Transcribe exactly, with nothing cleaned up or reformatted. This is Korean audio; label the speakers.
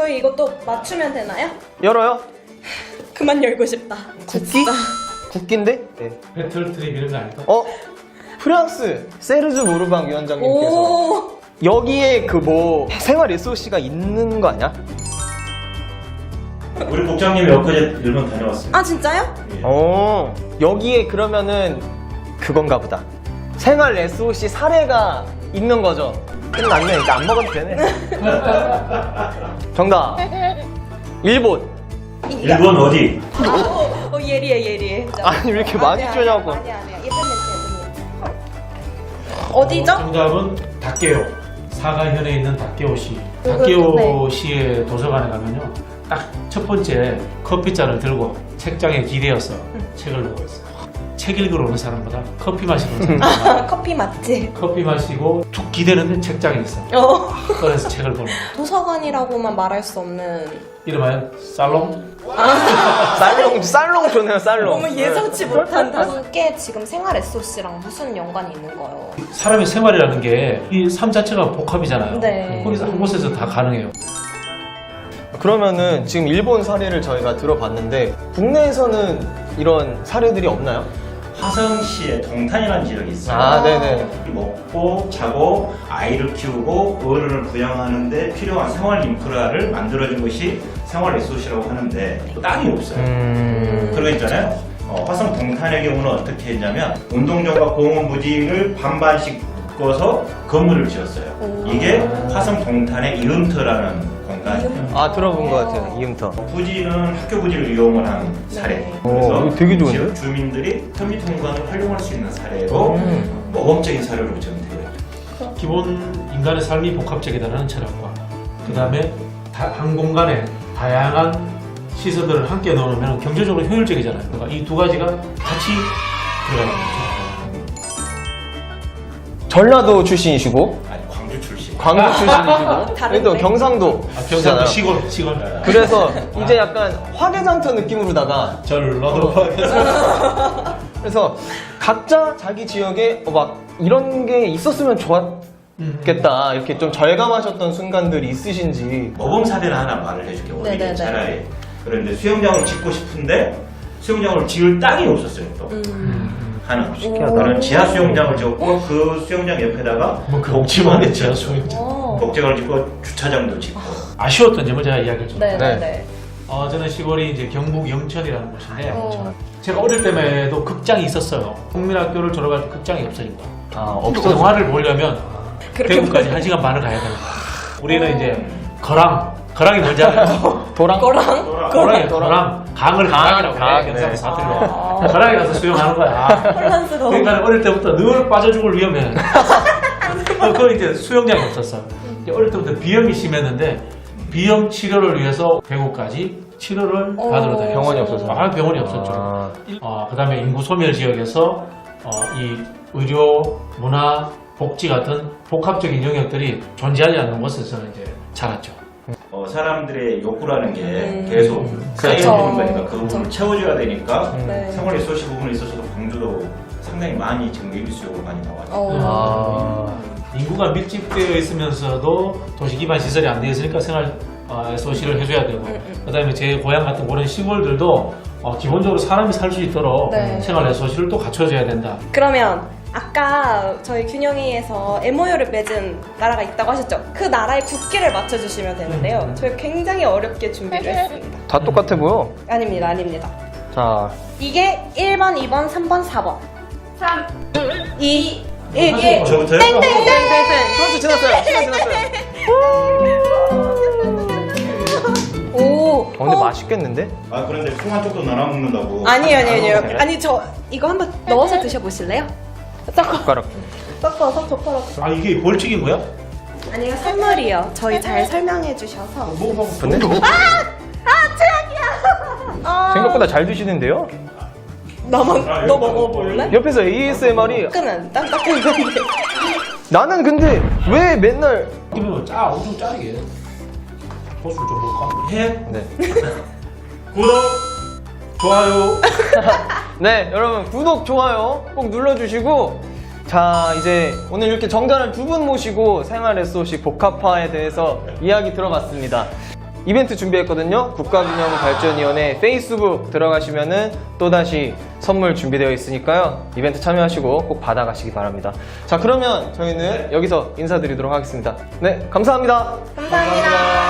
Speaker 1: 저희 이것도 맞추면 되나요?
Speaker 2: 열어요?
Speaker 1: 그만 열고 싶다.
Speaker 2: 국기? 국기인데? 네.
Speaker 3: 배틀 트립 이런 거 아닐까?
Speaker 2: 어? 프랑스 세르주 모르방 위원장님께서
Speaker 1: 오.
Speaker 2: 여기에 그 뭐 생활 에스오씨가 있는 거 아니야?
Speaker 4: 우리 국장님이 엊그제 일본 다녀왔어요.
Speaker 1: 아 진짜요?
Speaker 4: 예.
Speaker 2: 어, 여기에 그러면은 그건가 보다. 생활 에스오씨 사례가 있는 거죠. 끝났네. 이제 안 먹어도 되네. 정답. 일본.
Speaker 4: 일본 어디?
Speaker 1: 어, 어 예리해 예리해.
Speaker 2: 아니 왜 이렇게 많이 주냐고.
Speaker 1: 아니 아니야. 예쁜 멘트 예쁜 멘트. 어디죠?
Speaker 3: 정답은 닭게오. 사가현에 있는 닭게오시.
Speaker 1: 네.
Speaker 3: 닭게오시의 도서관에 가면요, 딱 첫 번째 커피잔을 들고 책장에 기대어서 책을 보고 있어요. 책 읽으러 오는 사람보다 커피 마시러 오는 사람
Speaker 1: 아, 커피 맛집.
Speaker 3: 커피 마시고 툭 기대는데 책장에 있어.
Speaker 1: 어.
Speaker 3: 그래서 책을 보는 거예요.
Speaker 1: 도서관이라고만 말할 수 없는.
Speaker 3: 이름하여 살롱.
Speaker 2: 쌀롱, 쌀롱 좋네요, 쌀롱.
Speaker 1: 너무 예상치 못한 단계. 지금 생활 에스오씨랑 무슨 연관이 있는 거예요?
Speaker 3: 사람의 생활이라는 게 이 삶 자체가 복합이잖아요.
Speaker 1: 네.
Speaker 3: 거기서 한 곳에서 다 가능해요.
Speaker 2: 그러면은 지금 일본 사례를 저희가 들어봤는데 국내에서는 이런 사례들이 없나요?
Speaker 4: 화성시에 동탄이라는 지역이 있어요.
Speaker 2: 아, 네네.
Speaker 4: 먹고 자고 아이를 키우고 어른을 부양하는데 필요한 생활 인프라를 만들어준 것이 생활 에스오씨라고 하는데 땅이 없어요.
Speaker 2: 음...
Speaker 4: 그런 거 있잖아요. 어, 화성 동탄의 경우는 어떻게 했냐면 운동장과 공원 부지를 반반씩 묶어서 건물을 지었어요.
Speaker 1: 오.
Speaker 4: 이게 화성 동탄의 이음터라는 공간이에요.
Speaker 2: 아, 들어본 것 같아요, 이음터.
Speaker 4: 부지는 학교 부지를 이용을 한 사례.
Speaker 1: 네.
Speaker 2: 오, 이거 되게 좋은데?
Speaker 4: 지역 주민들이 터미트 공간을 활용할 수 있는 사례로
Speaker 2: 음.
Speaker 4: 모범적인 사례로 지금 되어 있죠.
Speaker 3: 기본 인간의 삶이 복합적이다라는 철학과 그 다음에 한 공간에 다양한 시설들을 함께 넣으면 경제적으로 효율적이잖아요. 그러니까 이 두 가지가 같이 들어가는 거죠.
Speaker 2: 전라도 출신이시고
Speaker 4: 아니 광주 출신.
Speaker 2: 광주 출신이시고
Speaker 1: 다른데?
Speaker 2: 또 경상도
Speaker 3: 아, 경상도
Speaker 2: 시잖아요.
Speaker 3: 시골 시골.
Speaker 2: 그래서 이제 약간 화개장터 느낌으로다가
Speaker 3: 전라도.
Speaker 2: 그래서 각자 자기 지역에 어, 막 이런 게 있었으면 좋았겠다 이렇게 좀 절감하셨던 순간들이 있으신지.
Speaker 4: 모범 사례를 하나 말을 해줄게.
Speaker 1: 네네네.
Speaker 4: 어디 차라리. 그런데 수영장을 짓고 싶은데 수영장을 지을 땅이 없었어요. 또
Speaker 1: 음.
Speaker 4: 하나.
Speaker 2: 신기하다.
Speaker 4: 나는 지하 수영장을 지었고 그 수영장 옆에다가
Speaker 3: 뭐
Speaker 4: 복지관을
Speaker 3: 복지관을
Speaker 4: 지었어요.
Speaker 3: 지었어요.
Speaker 1: 어.
Speaker 4: 복지관을 짓고 주차장도 짓고.
Speaker 3: 아쉬웠던 점을 제가 이야기를 좀.
Speaker 1: 네네네.
Speaker 2: 네.
Speaker 3: 어, 저는 시골이 이제 경북 영천이라는 곳인데
Speaker 1: 어.
Speaker 3: 제가 어릴 때에도 극장이 있었어요. 국민학교를 졸업할 때 극장이 없어진 거야.
Speaker 2: 아,
Speaker 3: 없어. 영화를 보려면
Speaker 1: 그렇게
Speaker 3: 대구까지 한 시간 반을 가야 되는 거야. 우리는 이제 거랑, 거랑이 뭔지 알아요?
Speaker 2: 도랑?
Speaker 1: 거랑?
Speaker 3: 거랑이 거랑 강을 강이라고
Speaker 2: 강,
Speaker 3: 해. 경상도
Speaker 2: 네.
Speaker 3: 사투리로.
Speaker 1: 아.
Speaker 3: 거랑에 가서 수영하는 거야.
Speaker 1: 혼란스러워.
Speaker 3: 그러니까 어릴 때부터 늘 빠져 죽을 위험해. 어, 그 이제 수영장이 없었어. 이제 어릴 때부터 비염이 심했는데 비염 치료를 위해서 대구까지 치료를
Speaker 1: 어.
Speaker 3: 받으러 다녔어요.
Speaker 2: 병원이 없어서.
Speaker 3: 아, 병원이 없었죠.
Speaker 2: 아.
Speaker 3: 어, 그다음에 인구 소멸 지역에서 어, 이 의료, 문화, 복지 같은 복합적인 영역들이 존재하지 않는 곳에서는 이제 자랐죠.
Speaker 4: 어, 사람들의 욕구라는 게
Speaker 1: 음.
Speaker 4: 계속 쌓여
Speaker 1: 그렇죠.
Speaker 4: 있는 거니까 그 부분을
Speaker 1: 그렇죠.
Speaker 4: 채워줘야 되니까
Speaker 1: 네.
Speaker 4: 생활 리소시 부분에 있어서도 광주도 상당히 많이 지금 예비 수요가 많이 나와요.
Speaker 1: 어.
Speaker 2: 아.
Speaker 3: 인구가 밀집되어 있으면서도 도시 기반 시설이 안 되어 있으니까 생활 어, 에스오씨를 해줘야 되고,
Speaker 1: 음, 음.
Speaker 3: 그다음에 제 고향 같은 그런 시골들도 어, 기본적으로 사람이 살 수 있도록
Speaker 1: 네.
Speaker 3: 생활 에스오씨를 또 갖춰줘야 된다.
Speaker 1: 그러면 아까 저희 균형회의에서 엠오유를 맺은 나라가 있다고 하셨죠? 그 나라의 국기를 맞춰주시면 되는데요.
Speaker 3: 음.
Speaker 1: 저희 굉장히 어렵게 준비를 했습니다.
Speaker 2: 다 똑같아 보여.
Speaker 1: 아닙니다, 아닙니다.
Speaker 2: 자,
Speaker 1: 이게 일 번, 이 번, 삼 번, 사 번. 삼, 이, 일,
Speaker 3: 사실
Speaker 1: 일.
Speaker 4: 저부터요?
Speaker 1: 땡땡땡!
Speaker 2: 그렇죠, 지났어요. 시간 지났어요.
Speaker 1: 오.
Speaker 2: 어, 근데 맛있겠는데?
Speaker 4: 아 그런데 콩 한쪽도 나눠 먹는다고.
Speaker 1: 아니요, 아니요, 아니요.
Speaker 2: 그래?
Speaker 1: 아니, 저 이거 한번 넣어서 드셔보실래요? 섞어,
Speaker 2: 젓가락.
Speaker 1: 섞어서 젓가락.
Speaker 3: 아, 이게 벌칙인 거야?
Speaker 1: 아니, 이거 선물이요. 저희 잘 설명해 주셔서.
Speaker 3: 먹어보고.
Speaker 2: 근데
Speaker 1: 아, 최악이야! 아,
Speaker 2: 생각보다 잘 드시는데요?
Speaker 1: 나만,
Speaker 4: 아,
Speaker 1: 너
Speaker 4: 이거
Speaker 1: 먹어볼래?
Speaker 2: 옆에서 에이에스엠알이
Speaker 1: 끈은 딱딱했는데.
Speaker 2: 나는 근데 왜 맨날
Speaker 3: 이거 짜, 엄청 짜게. 소스 좀 볼까?
Speaker 4: 해
Speaker 2: 네.
Speaker 4: 구독
Speaker 3: 좋아요.
Speaker 2: 네, 여러분 구독, 좋아요 꼭 눌러주시고, 자 이제 오늘 이렇게 정자를 두 분 모시고 생활 에스오씨 복합화에 대해서 이야기 들어봤습니다. 이벤트 준비했거든요. 국가균형발전위원회 페이스북 들어가시면은 또다시 선물 준비되어 있으니까요. 이벤트 참여하시고 꼭 받아가시기 바랍니다. 자, 그러면 저희는 여기서 인사드리도록 하겠습니다. 네, 감사합니다.
Speaker 1: 감사합니다.